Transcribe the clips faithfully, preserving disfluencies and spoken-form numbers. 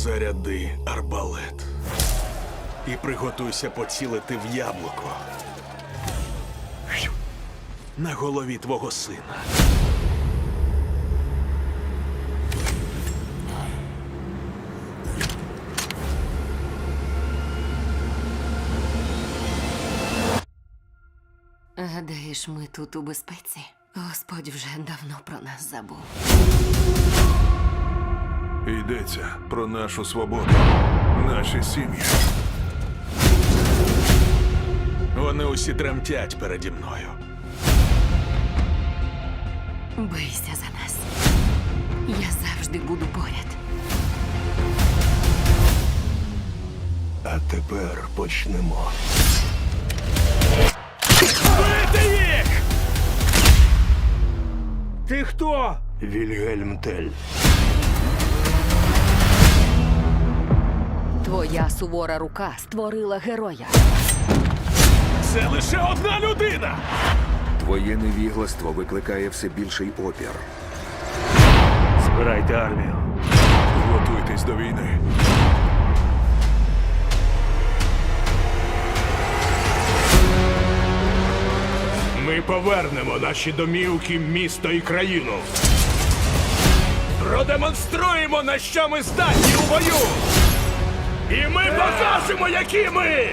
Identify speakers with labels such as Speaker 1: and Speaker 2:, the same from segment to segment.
Speaker 1: Заряди арбалет. І приготуйся поцілити в яблуко. На голові твого сина.
Speaker 2: Гадаєш, ми тут у безпеці? Господь вже давно про нас забув.
Speaker 3: Йдеться про нашу свободу, наші сім'ї.
Speaker 1: Вони усі тремтять переді мною.
Speaker 2: Бийся за нас. Я завжди буду поряд.
Speaker 4: А тепер почнемо.
Speaker 1: Бити їх!
Speaker 4: Ти хто? Вільгельм Тель.
Speaker 2: Твоя сувора рука створила героя.
Speaker 1: Це лише одна людина!
Speaker 5: Твоє невігластво викликає все більший опір.
Speaker 4: Збирайте армію.
Speaker 3: Готуйтесь до війни.
Speaker 6: Ми повернемо наші домівки, місто і країну. Продемонструємо, на що ми здатні у бою. І ми покажемо, які ми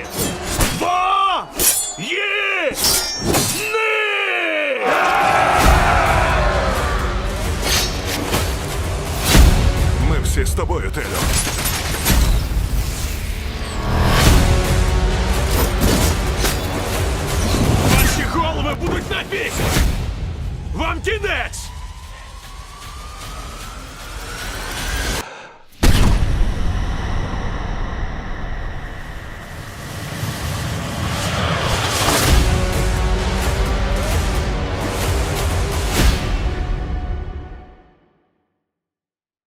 Speaker 6: воїни!
Speaker 3: Ми всі з тобою, Телю.